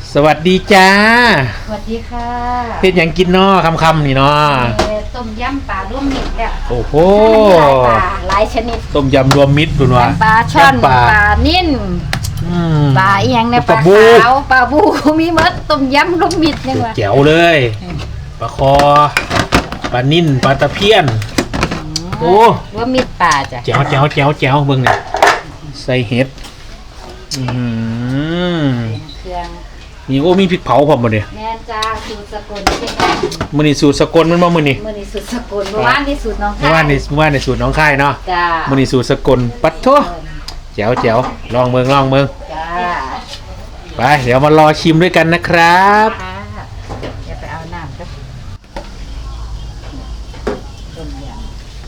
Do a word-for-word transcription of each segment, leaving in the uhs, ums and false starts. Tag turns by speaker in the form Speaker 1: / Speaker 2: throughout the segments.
Speaker 1: สวัสดีจ้า
Speaker 2: สวัสดีค่ะ
Speaker 1: เฮ็ดหยังกินน้อคำๆนี่น้อ
Speaker 2: ต้มยำปลาร่วมมิตรเนี่ย
Speaker 1: โอ้โห
Speaker 2: หลายปลาหลายชนิด
Speaker 1: ต้มยำรวมมิตรคุณวะ
Speaker 2: ปลาช่อนปลานิ่นปลาอีหยังในปลาขาวปลาบูมีมดต้มยำรวมมิตรนี่ว่า
Speaker 1: แจ๋วเลยปลาคอปลานิ่นปลาตะเพียนโอ้
Speaker 2: รวมมิตรปลาจ้ะ
Speaker 1: แจ๋วแจ๋วแจ๋วแจ๋วเบิ่งนี่ใส่เห็ดอืม
Speaker 2: เครื่อง
Speaker 1: นี่โอ้มีพริกเผาพร้อมบ่เนี่ย
Speaker 2: แม่จ้าสูตรสกล
Speaker 1: มื้อนี้สูตรสกลมันบ่มื้อนี้
Speaker 2: มื้อนี้สูตรสกลเมื่อวานนี่สูตรน้องค่าย
Speaker 1: เมื่อวานนี่เมื่อวานนี่สูตรน้องค่ายเนาะ
Speaker 2: จ้า
Speaker 1: มื้อนี้สูตรสกลปัดโถแจ๋วแจ๋วลองเบิ่งลองเบิ่ง
Speaker 2: จ้า
Speaker 1: ไปเดี๋ยวมารอชิมด้วยกันนะครับ
Speaker 2: เดี๋ยวไปเอาน้ำครับต้มยำ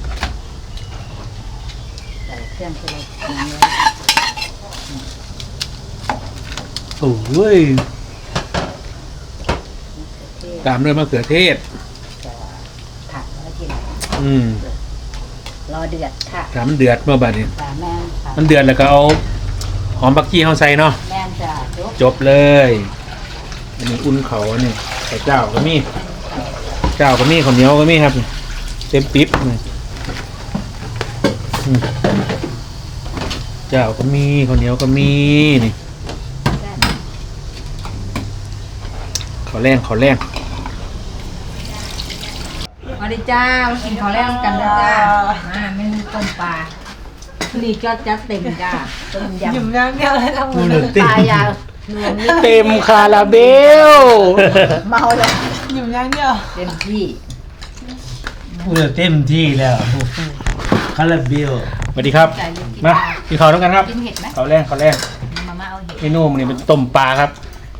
Speaker 2: ใส่เครื่องที่เราปรุงไว้
Speaker 1: โอ้ยตามด้วยมะเขือเทศ
Speaker 2: ผักแล้วกิน
Speaker 1: อืม
Speaker 2: รอเดือดค่ะ
Speaker 1: ถ้ามันเดือดเมื่อบัดนี้
Speaker 2: แม่
Speaker 1: มันเดือดแล้วก็เอาหอมผักชีเข้าใส่เนาะ
Speaker 2: แม่จ้ะ
Speaker 1: จบเลยอันนี้อุ่นเขาเนี่ยไข่เจ้าก็มีเจ้าก็มีข้าวเหนียวก็มีครับเต็มปิ๊บเจ้าก็มีข้าวเหนียวก็มีนี่ขอแรงขอแรง
Speaker 2: มาดิจ้ามากินข้าวแรงกันนะจ้ามาเมนูต้มปลานี่ก็จัดเต็มจ้าต้มยำยุ่มย่างเดียวเลยทั้งหมดปลายาว
Speaker 1: เต็มคาราเบล
Speaker 2: เมาเลย
Speaker 3: ยุ่มย่างเดียว
Speaker 2: เต็มที่
Speaker 3: พูดเต็มที่แล้วคาราเบล
Speaker 1: สวัสดีครับมากินข้าวด้วยกันครับ
Speaker 2: กินเห็ดไหม
Speaker 1: ข้าวแรงข้าวแรง
Speaker 2: มาม่าเอาเห็ด
Speaker 1: เมนูมันนี่เป็นต้มปลาครับ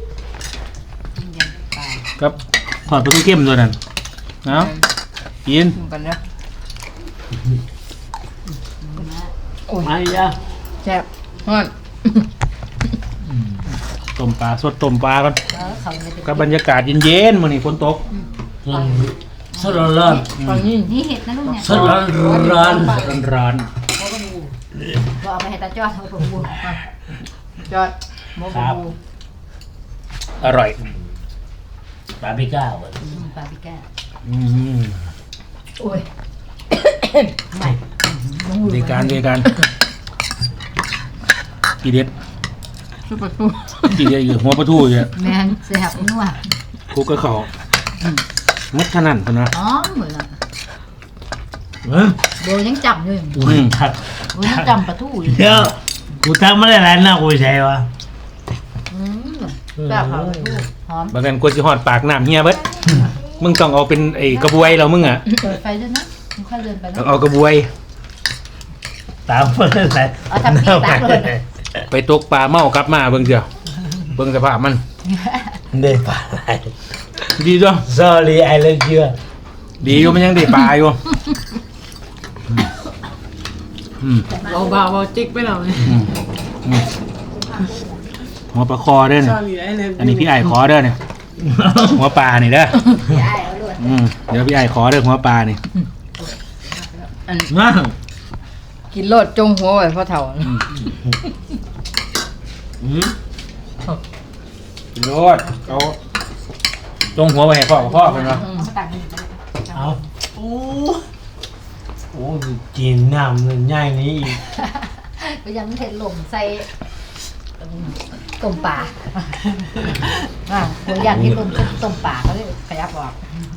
Speaker 1: ครับทอดปลาทูเข้มด้วยนั่นเอากิน
Speaker 2: กันเนาะ
Speaker 3: โอ้ยยะ
Speaker 2: แซ่บฮอด
Speaker 1: ต้มปลาสดต้มปลากันกับบรรยากาศเย็นๆมื้อนี้ฝนตก
Speaker 3: สดร้อน
Speaker 2: นี่เห็ดนะลูกเนี่ย
Speaker 3: สดร้อนร้อน
Speaker 1: ร้อน
Speaker 2: เอาไปให้ตาจอดเอาไปบูจอดโมบู
Speaker 1: อร่อย
Speaker 3: ปาปิก้า
Speaker 2: ปาปิก้า
Speaker 1: อืม
Speaker 2: โอ้ยไม่
Speaker 1: ดีการดีการกีเด็ด
Speaker 2: ชุบปลาทู
Speaker 1: กีเด็ดอยู่หัวปลาทูอยู่
Speaker 2: แมนแซ่บนัว
Speaker 1: คลุกกระเขามัดขนาดกันนะ
Speaker 2: อ๋อเหมือนอ่ะโบยังจำอยู่โบยังจำปลาทูอยู่
Speaker 3: เดี๋ยวกูทักมาได้แล้วนะกูใช่ปะ
Speaker 2: แบบหอม
Speaker 1: บางกันกลัวจะหอดปากน้ำเฮียเบิดมึงต้องเอาเป็นไอ้กระบวยเรามึงอ่ะ
Speaker 2: เปิดไฟด้วยนะมึงค่อยเดินไป
Speaker 1: นะเอากระบวย
Speaker 3: ตามเพื่อนเลย
Speaker 2: เอาทำพี่ตามเลย
Speaker 1: ไปตกปลาเมากลับมาเบิ่งเจ้าเบิ่งสภาพมัน
Speaker 3: เด็ดปลาอะไร
Speaker 1: ดีจ้ะ
Speaker 3: sorry I love you
Speaker 1: ดีอยู่มันยังได้ปลาอยู่
Speaker 3: เบาเบาเบาจิกไปหน่อย
Speaker 1: หัวปลาคอเด้ออันนี้พี่ไอ้ขอเด้อเนี่ยหัวปลานี่เด้อเดี๋ยวพี่ไอ้ขอเด้อหัวปลานี่
Speaker 3: นั่ง
Speaker 2: กินโลดจงหัวไว้พ่อเฒ่า
Speaker 1: กินโลดเขาจงหัวไว้ให้พ่อกับพ่อเป็นไง
Speaker 3: เอาโอ้โอ้กินน้ำมันง่ายนี้อีก
Speaker 2: ก็ยังเห็ดหล่มใส่ต้มปลาอ่าผมอยากกินต้มต้มปลาเขาเลยขยับออก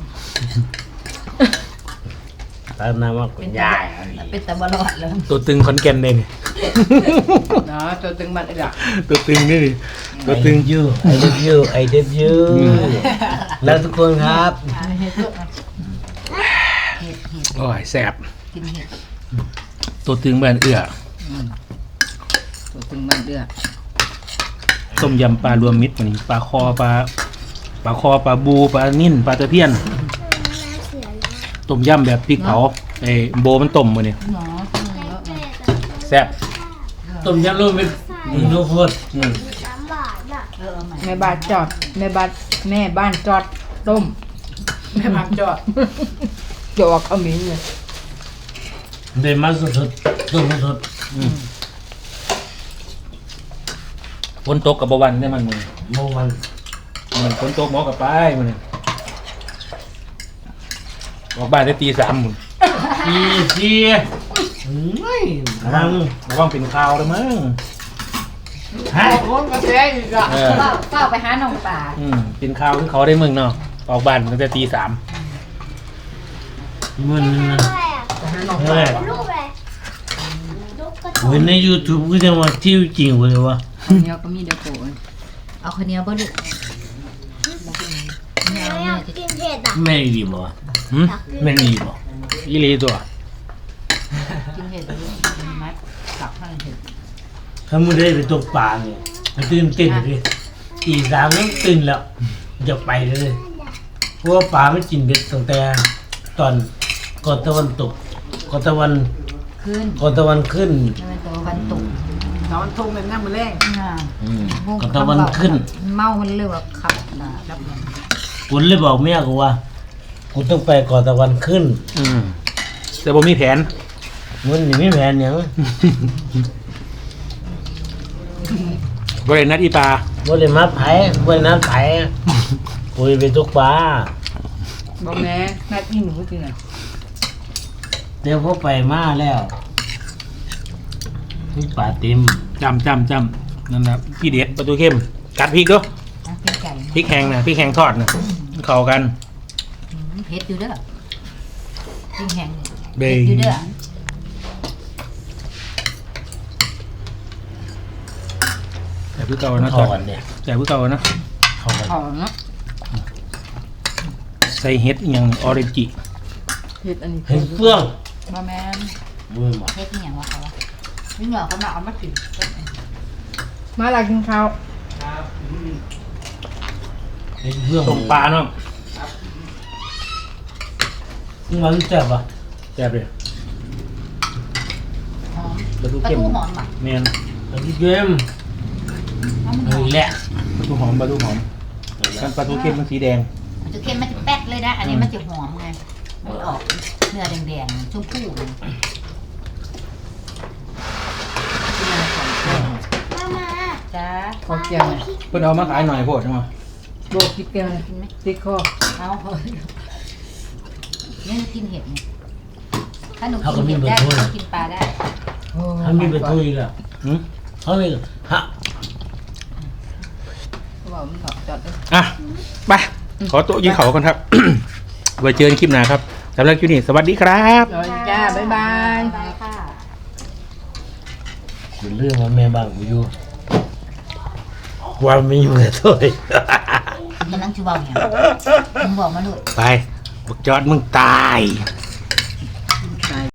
Speaker 3: ตอนนั้นว่าคุณยาย
Speaker 2: เป็นตะบลอดแล้ว
Speaker 1: ตัวตึงคอนแกนเอง
Speaker 2: เนาะตัวตึงมันอะไร
Speaker 1: ตัวตึงนี่ดิตัวตึง
Speaker 3: ยูไอเดฟยูไอเดฟยูแล้วทุกคนครับ
Speaker 1: โอ้ยแซ่บตัวตึงมันเอื้อ
Speaker 2: ตัวตึงมันเอื้อ
Speaker 1: ต้มยำปลารวมมิตรมันปลาคอปลาปลาคอปลาบูปลานิ่นปลาตะเพียนต้มยำแบบพริกเผาไอ้โบมันต้มมาเนี่ยแซ่บ
Speaker 3: ต้มยำรวมมิตรทุกคน
Speaker 2: แม่บ้านจอดแม่บ้านแม่บ้านจอดต้มแม่บ้านจอดจอดขมิ้นเลย
Speaker 3: เดี๋ยวมาสุดๆต้มสุด
Speaker 1: ฝนตกกับวันได้มันมึง
Speaker 3: โมวัน
Speaker 1: มันฝนตกหมอกับไปมันนี่ออกบ้านได้ตีสามหมุน
Speaker 3: อีซีไม่ทาง
Speaker 1: ระวังเป็นข่าวเลยมั้ง
Speaker 3: ฮะ
Speaker 2: คนก็แซ่อีกอ่ะ
Speaker 1: เออ
Speaker 2: เฝ้าเฝ้าไปหาน้องป่า
Speaker 1: อืมเป็นข่าวคือเขาได้มึงเนาะออกบ้านตั้งแต่ตีสาม
Speaker 3: มัน
Speaker 2: ไปหาน้อง
Speaker 3: เฮ้
Speaker 2: ป่าย
Speaker 4: ลูกอะไรลูกกระ
Speaker 3: เว้นใน YouTube ก็จะมาที่จริงเลยวะ
Speaker 2: คนเดียวก็มีเดียวโกนเอาคนเดียวบ่ลูก
Speaker 4: ไม่อยากกินเผ็ดอ่ะ
Speaker 3: แม่ดีบ่
Speaker 1: หืม
Speaker 3: แม่ดีบ่
Speaker 1: อีหลีตัว
Speaker 2: กินเห็ดลูกมัดกับข้างเห็ด
Speaker 3: ถ้ามึงได้ไปตกปลาเนี่ยมันตื่นเต้นเลยตีสามแล้วตื่นแล้วจะไปเลยเพราะว่าปลาไม่กินเบ็ดตั้งแต่ตอนก่อนตะวันตกก่อนตะวัน
Speaker 2: ขึ้น
Speaker 3: ก่อนตะวันขึ้น
Speaker 2: จะเป็นตัววันตุก
Speaker 5: ตอนทุ่งเป็นน้ำมือแรง
Speaker 2: อ่า
Speaker 3: อืมก่อนตะวันขึ้น
Speaker 2: เมามันเรียกว่าขับนะรับมัน
Speaker 3: กูเลยบอกเมียกูว่ากูต้องไปก่อนตะวันขึ้น
Speaker 1: อืมแต่ผมมีแผน
Speaker 3: มันนี่ไม่แผนหยัง
Speaker 1: บริเวณนัดอีปลา
Speaker 3: บ่ได้มาไผบ่ได้นัดไผกูไปตกปลา
Speaker 2: บอกแม่นัดอีหนูจริงอ่ะ
Speaker 3: เดี๋ยวพอไปมาแล้วมีปลาเต็ม
Speaker 1: จำจำจำนั่นนะพี่เด็ดประตูเข้มกัดพริกด้วย
Speaker 2: เป็นไก่
Speaker 1: พริกแห้งนะพริกแห้งทอดนะเข้ากัน
Speaker 2: เผ็ดอยู่เด้อจริงแห้ง
Speaker 1: เบ
Speaker 2: เผ็
Speaker 1: ย
Speaker 2: ดอยู่เด้อ
Speaker 1: แต่พี่เก่านะ
Speaker 3: เข้ากันเนี่ย
Speaker 1: แต่พี่เก่านะ
Speaker 3: เข้ากัน
Speaker 2: หอมเนาะ
Speaker 1: ใส่เฮ็ดอหย่างออเรนจิ
Speaker 2: เผ็ดอันนี้
Speaker 3: เห็นเฟื่อง
Speaker 2: บ่แม่น
Speaker 3: มือหมด
Speaker 2: เผ็ดนี่หยังวะเขาวะนี่เหรอเขามาเอามากินมาลากินข้าว
Speaker 3: เห็นเฟื่อง
Speaker 1: ต้มปลาเนาะ
Speaker 3: มันแซ่บอ่ะ
Speaker 1: แซ่บเลย
Speaker 2: หอม
Speaker 1: ประตู
Speaker 2: ปลา
Speaker 1: เข้ม
Speaker 2: ทูหอมอ่ะ
Speaker 1: เมน
Speaker 3: อันนี้เกม
Speaker 2: เอามันห
Speaker 3: เฮ้
Speaker 2: อย ม
Speaker 3: แหละ
Speaker 1: ประตูหอมประตูหอมกันประตูเข้มมันสีแดง
Speaker 2: มันจะเค็มมันจะแป๊ดเลยนะ อันนี้มันจะหอมไงมันออกเนื้อแดงๆชมพูเลยกินอะไรก่อน
Speaker 4: มามา
Speaker 2: จ้า
Speaker 5: ขอเกียง
Speaker 1: เพิ่นเอามาขายหน่อยโพดใช่ไหม
Speaker 5: โบกินเกียง
Speaker 2: กินไหม
Speaker 5: ติดคอ
Speaker 2: เอาเฮ้ยนี่หนูกินเห็ดไงถ้าหนูกินเห็ดได้หนูกินปลาได้
Speaker 3: ถ้ามีประตูอีกแล้ว
Speaker 1: หืม
Speaker 3: เขามีฮะ
Speaker 2: เขาบอกมันถอดจอดเลย
Speaker 1: อ่ะไปขอโต๊ะยิงเขาก่อนครับ ไว้เจอกันคลิปหน้าครับสำหรับคลิปนี้สวัสดีครับ
Speaker 5: สวัสดีจ้า บ๊ายบาย
Speaker 2: บายค่ะ
Speaker 3: เป็นเรื่องว่าแม่บ้านกูอยู่ความไม่อยู่กับตัวเอง
Speaker 2: กำลังจะบอกอย่างมึงบอกมาเลย
Speaker 1: ไปบักจอดมึงตาย